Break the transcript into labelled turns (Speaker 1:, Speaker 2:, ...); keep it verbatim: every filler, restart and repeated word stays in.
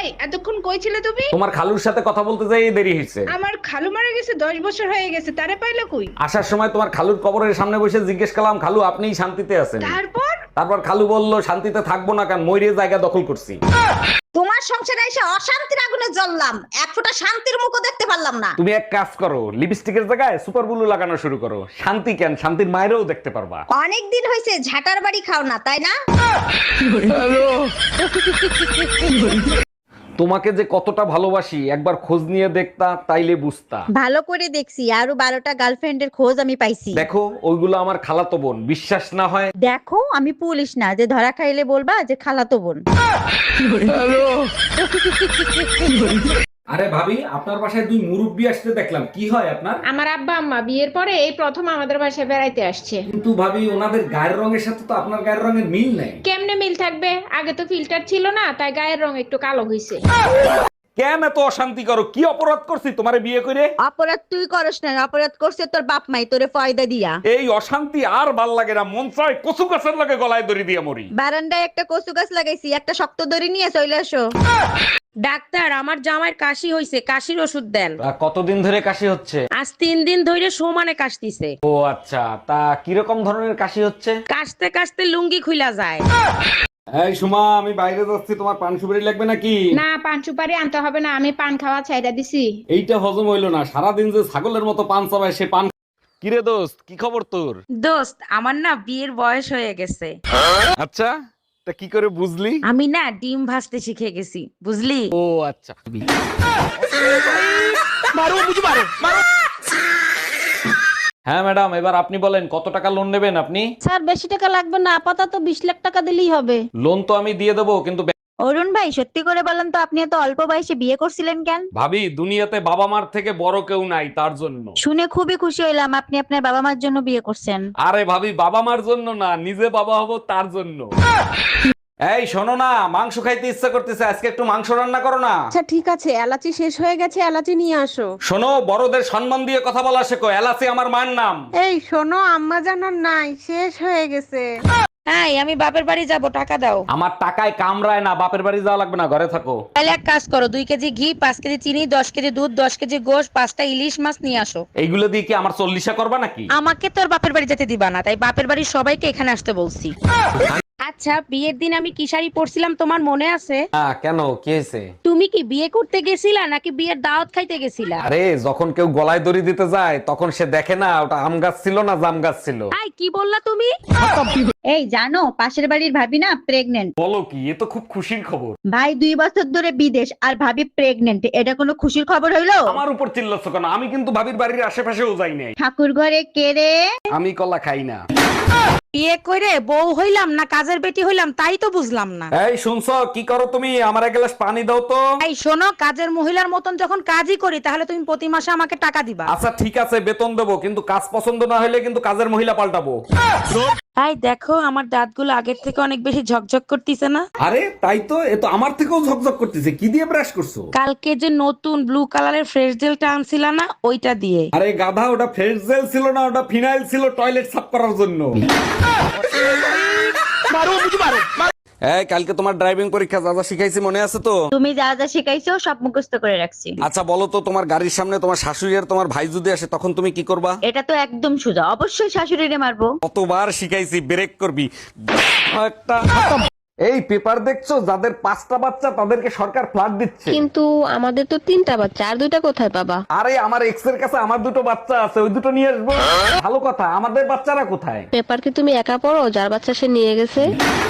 Speaker 1: এতক্ষণ কই ছিলে তুমি?
Speaker 2: তোমার খালুর সাথে কথা বলতে যাই দেরি হয়েছে।
Speaker 1: আমার খালু মারা গেছে দশ বছর হয়ে গেছে, তারে পাইলে কই?
Speaker 2: আসার সময় তোমার খালুর কবরের সামনে বসে জিজ্ঞেস করলাম, খালু আপনিই শান্তিতে আছেন?
Speaker 1: তারপর
Speaker 2: তারপর খালু বলল, শান্তিতে থাকবো না কারণ ময়ূরের জায়গা দখল করছি।
Speaker 3: তোমার সংসারে এসে অশান্তির আগুনে জ্বললাম, এক ফোঁটা শান্তির মুখও দেখতে পারলাম না।
Speaker 2: তুমি এক কাজ করো, লিপস্টিকের জায়গায় সুপার ব্লু লাগানো শুরু করো। শান্তি কেন, শান্তির মায়েরও দেখতে পারবা।
Speaker 3: অনেক দিন হয়েছে ঝাটার বাড়ি খাও না, তাই না?
Speaker 2: তোমাকে যে কতটা ভালোবাসি একবার খোঁজ নিয়ে দেখতা, তাইলে বুঝতা।
Speaker 3: ভালো করে দেখছি, আরো বারোটা গার্লফ্রেন্ডের খোঁজ আমি পাইছি।
Speaker 2: দেখো ওইগুলো আমার খালাতো বোন, বিশ্বাস না হয়
Speaker 3: দেখো আমি পুলিশ না যে ধরা খাইলে বলবা যে খালাতো বোন।
Speaker 2: আরে ভাবি, আপনার বাসায় দুই মুরব্বি আসতে দেখলাম, কি হয় আপনার?
Speaker 1: আমার আব্বা আম্মা বিয়ের পরে এই প্রথম আমাদের বাসায় বেড়াইতে আসছে।
Speaker 2: কিন্তু ভাবি, ওনাদের গায়ের রঙের সাথে তো আপনার গায়ের রঙের মিল নেই।
Speaker 1: কেমনে মিল থাকবে? আগে তো ফিল্টার ছিল না, তাই গায়ের রং একটু কালো হইছে।
Speaker 2: কেন এত অশান্তি করো? কি অপরাধ করছি তোমারে বিয়ে করে?
Speaker 3: অপরাধ তুই করস না, অপরাধ করছে তোর বাপ মাই তোরে ফয়দা দিয়া।
Speaker 2: এই অশান্তি আর ভাল লাগে না, মন চায় কচু গাছের লাগে গলায় দড়ি দিয়ে মরি।
Speaker 3: বারান্দায় একটা কচু গাছ লাগাইছি, একটা শক্ত দড়ি নিয়ে চলে আসো।
Speaker 4: ডাক্তার, আমার জামাইয়ের কাশি হইছে, কাশির ওষুধ দেন।
Speaker 2: তা কতদিন ধরে কাশি হচ্ছে?
Speaker 4: আজ তিন দিন ধরে সমানে কাশতিছে।
Speaker 2: ও আচ্ছা, তা কিরকম ধরনের কাশি হচ্ছে?
Speaker 4: কাশতে কাশতে লুঙ্গি খুইলা যায়।
Speaker 2: এই সুমা, আমি বাইরে যাচ্ছি, তোমার পান সুপারি লাগবে নাকি?
Speaker 1: না, পান সুপারি আনতে হবে না, আমি পান খাওয়া ছাইড়া দিছি।
Speaker 2: এইটা হজম হইলো না, সারাদিন যে ছাগলের মতো পান চাবায় সে পান। কিরে দোস্ত, কি খবর তোর?
Speaker 4: দোস্ত, আমার না বিয়ের বয়স হয়ে গেছে।
Speaker 2: আচ্ছা, তা কি করে বুঝলি?
Speaker 4: আমি না ডিম ভাজতে শিখে গেছি, বুঝলি?
Speaker 2: ও আচ্ছা। হ্যাঁ ম্যাডাম, এবার আপনি বলেন কত টাকা লোন নেবেন আপনি?
Speaker 5: স্যার বেশি টাকা লাগবে না, আপাতত বিশ লাখ টাকা দিলেই হবে।
Speaker 2: লোন তো আমি দিয়ে দেবো, কিন্তু বে-
Speaker 3: অরুণ ভাই সত্যি করে বলেন তো, আপনি এত অল্প বয়সে বিয়ে করছিলেন কেন?
Speaker 2: ভাবি, দুনিয়াতে বাবা মার থেকে বড় কেউ নাই, তার জন্য।
Speaker 3: শুনে খুবই খুশি হইলাম আপনি আপনার বাবা মার জন্য বিয়ে করছেন।
Speaker 2: আরে ভাবি, বাবা মার জন্য না, নিজে বাবা হব তার জন্য। এই শোনো না, মাংস খাইতে ইচ্ছা করতেছে, আজকে একটু মাংস রান্না করো না।
Speaker 5: আচ্ছা ঠিক আছে, এলাচি শেষ হয়ে গেছে, এলাচি নিয়ে আসো।
Speaker 2: শোনো, বড়দের সম্মান দিয়ে কথা বলা শেখো, এলাচি আমার মায়ের নাম।
Speaker 5: এই শোনো, আম্মা জানার নাই, শেষ হয়ে গেছে।
Speaker 4: হ্যাঁ, আমি বাপের বাড়ি যাব, টাকা দাও।
Speaker 2: আমার টাকায় কামড়ায় না, বাপের বাড়ি যাওয়া লাগবে না, ঘরে থাকো।
Speaker 4: তাহলে এক কাজ করো, দুই কেজি ঘি, পাঁচ কেজি চিনি, দশ কেজি দুধ, দশ কেজি গোশ, পাঁচটা ইলিশ মাছ নিয়ে আসো।
Speaker 2: এইগুলো দিয়ে কি আমার চল্লিশা করবা নাকি?
Speaker 4: আমাকে তোর বাপের বাড়ি যেতে দিবা না, তাই বাপের বাড়ির সবাইকে এখানে আসতে বলছি। আচ্ছা, বিয়ের দিন আমি কি শাড়ি পরছিলাম তোমার মনে আছে?
Speaker 2: হ্যাঁ, কেন, কি হয়েছে?
Speaker 4: তুমি কি বিয়ে করতে গেছিলা নাকি বিয়ের দাওয়াত খাইতে গেছিলা?
Speaker 2: আরে যখন কেউ গলায় দড়ি দিতে যায় তখন সে দেখে না ওটা আম গাছ ছিল না জাম গাছ ছিল।
Speaker 4: আই কি বললা তুমি?
Speaker 3: এই জানো, পাশের বাড়ির ভাবি না প্রেগনেন্ট।
Speaker 2: বলো কি, এ তো খুব খুশির খবর।
Speaker 3: ভাই দুই বছর ধরে বিদেশ আর ভাবি প্রেগনেন্ট, এটা কোনো খুশির খবর হইলো?
Speaker 2: আমার উপর চিল্লাচ্ছ কেন? আমি কিন্তু ভাবির বাড়ির আশেপাশেও যাই নাই।
Speaker 3: ঠাকুর ঘরে কে রে?
Speaker 2: আমি কলা খাই না।
Speaker 4: বিয়ে করে বউ হইলাম না কাজের বেটি হইলাম তাই তো বুঝলাম না।
Speaker 2: এই শুনছো, কি করো তুমি? আমার এক গ্লাস পানি দাও তো।
Speaker 4: এই শোনো, কাজের মহিলার মতন যখন কাজই করি তাহলে তুমি প্রতি মাসে আমাকে টাকা দিবা।
Speaker 2: আচ্ছা ঠিক আছে, বেতন দেবো, কিন্তু কাজ পছন্দ না হলে কিন্তু কাজের মহিলা পাল্টাবো।
Speaker 4: এই দেখো, আমার দাঁতগুলো আগের থেকে অনেক বেশি ঝকঝক করতেছে না?
Speaker 2: আরে তাই তো, এ তো আমার থেকেও ঝকঝক করতেছে। কি দিয়ে ব্রাশ করছো?
Speaker 4: কালকে যে নতুন ব্লু কালারের ফ্রেশ জেলটা আনছিলা না, ওইটা দিয়ে।
Speaker 2: আরে গাধা, ওটা ফ্রেশ জেল ছিল না, ওটা ফিনাইল ছিল টয়লেট সাফ করার জন্য। এই কালকে তোমার ড্রাইভিং পরীক্ষা, যা যা শিখাইছি মনে আছে তো?
Speaker 3: তুমি যা যা শিখাইছো সব মুখস্থ করে রাখছি।
Speaker 2: আচ্ছা বলো তো, তোমার গাড়ির সামনে তোমার শাশুড়ি আর তোমার ভাই যদি আসে তখন তুমি কি করবা?
Speaker 3: এটা তো একদম সোজা, অবশ্যই শাশুড়িরে মারবো।
Speaker 2: কতবার শিখাইছি, ব্রেক করবি একটা। এই পেপার দেখছো, যাদের পাঁচটা বাচ্চা তাদেরকে সরকার ফ্ল্যাট দিচ্ছে।
Speaker 5: কিন্তু আমাদের তো তিনটা বাচ্চা, আর দুইটা কোথায় পাবা?
Speaker 2: আরে আমার এক্স এর কাছে আমার দুটো বাচ্চা আছে, ওই দুটো নিয়ে আসবো। ভালো কথা, আমাদের বাচ্চারা কোথায়?
Speaker 5: পেপার কি তুমি একা পড়ো, যার বাচ্চা সে নিয়ে গেছে?